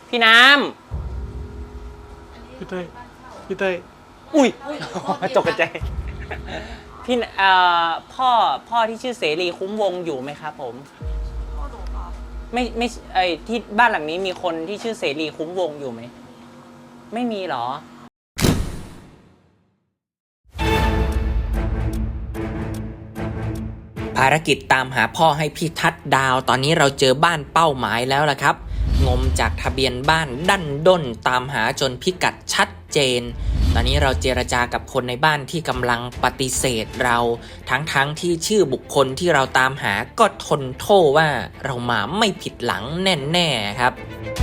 พี่น้พี่เต้ยพี่เต้ยำอุ้ยตกใจพี่พ่อที่ชื่อเสรีคุ้มวงอยู่ไหมครับผมพ่อหนูครับไม่ที่บ้านหลังนี้มีคนที่ชื่อเสรีคุ้มวงอยู่ไหมไม่มีหรอภารกิจตามหาพ่อให้พี่ทัดดาวตอนนี้เราเจอบ้านเป้าหมายแล้วล่ะครับงมจากทะเบียนบ้านดั้นด้นตามหาจนพิกัดชัดเจนตอนนี้เราเจรจากับคนในบ้านที่กำลังปฏิเสธเราทั้งที่ชื่อบุคคลที่เราตามหาก็ทนโทษว่าเรามาไม่ผิดหลังแน่ๆครับ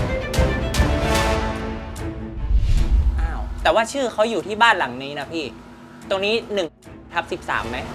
อ้าวแต่ว่าชื่อเขาอยู่ที่บ้านหลังนี้นะพี่ตรงนี้1/13ไหม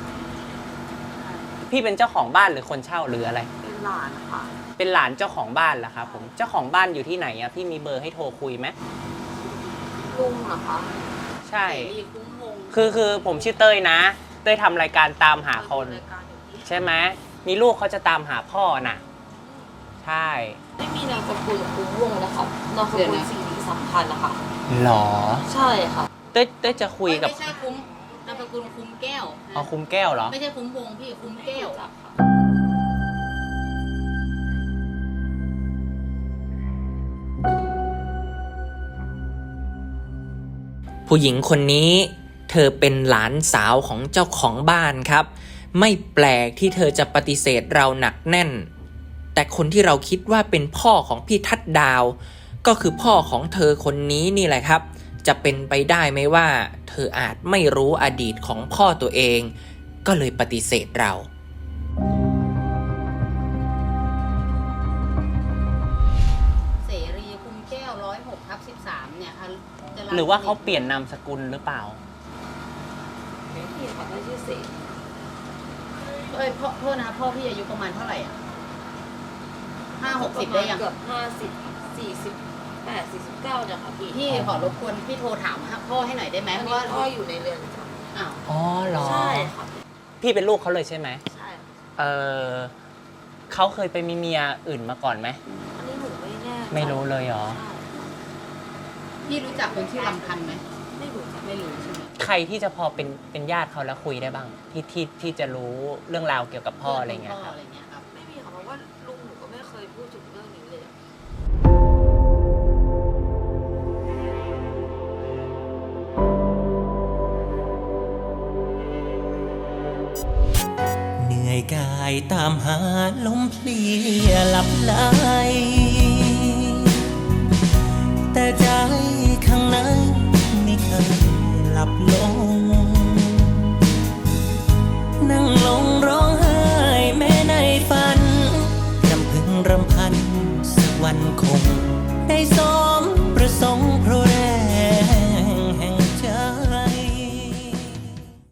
พี่เป็นเจ้าของบ้านหรือคนเช่าหรืออะไรเป็นหลานค่ะเป็นหลานเจ้าของบ้านเหรอครับผมเจ้าของบ้านอยู่ที่ไหนอะพี่มีเบอร์ให้โทรคุยไหมลุงเหรอคะใช่มีคุ้มวงคือผมชื่อเต้ยนะเต้ยทำรายการตามหาคนใช่ไหมมีลูกเขาจะตามหาพ่อน่ะใช่ไม่มีนามสกุลคุ้มวงนะคะนามสกุลสิริสัมพันธ์นะคะหรอใช่ค่ะเต้ยจะคุยกับไม่ใช่คุ้มนามสกุลคุ้มแก้วอ๋อคุ้มแก้วเหรอไม่ใช่คุ้มวงพี่คุ้มแก้วผู้หญิงคนนี้เธอเป็นหลานสาวของเจ้าของบ้านครับไม่แปลกที่เธอจะปฏิเสธเราหนักแน่นแต่คนที่เราคิดว่าเป็นพ่อของพี่ทัดดาวก็คือพ่อของเธอคนนี้นี่แหละครับจะเป็นไปได้ไหมว่าเธออาจไม่รู้อดีตของพ่อตัวเองก็เลยปฏิเสธเราเสรีคุ้มแก้ว106/13เนี่ยค่ะหรือว่าเขาเปลี่ยนนามสกุลหรือเปล่าไม่มีค่ะไม่ชื่อเสรีพ่อโทษนะคะพ่อพี่อายุประมาณเท่าไหร่อ่ะ50-60ได้ยังเกือบ50-40-48-49เนี่ยค่ะพี่ขอรบกวนพี่โทรถามพ่อให้หน่อยได้ไหมเพราะว่าพ่ออยู่ในเรือนจำอ้าวอ๋อเหรอใช่ค่ะพี่เป็นลูกเขาเลยใช่ไหมใช่เขาเคยไปมีเมียอื่นมาก่อนไหมอันนี้หนูไม่แน่ไม่รู้เลยเหรอพี่รู้จักคนชื่อลำพันธ์ไหมไม่รู้ใช่ไหมใครที่จะพอเป็นญาติเขาแล้วคุยได้บ้างที่จะรู้เรื่องราวเกี่ยวกับพ่ออะไรเงี้ยครับไม่มีค่ะเพราะว่าลุงหนูก็ไม่เคยพูดถึงเรื่องนี้เลยเหนื่อยกายตามหาลมเพลียหลับไหลแต่ใจข้างในไม่เคยหลับลงนั่งลงร้องไห้แม้ในฝันรำพึงรำพันสักวันคง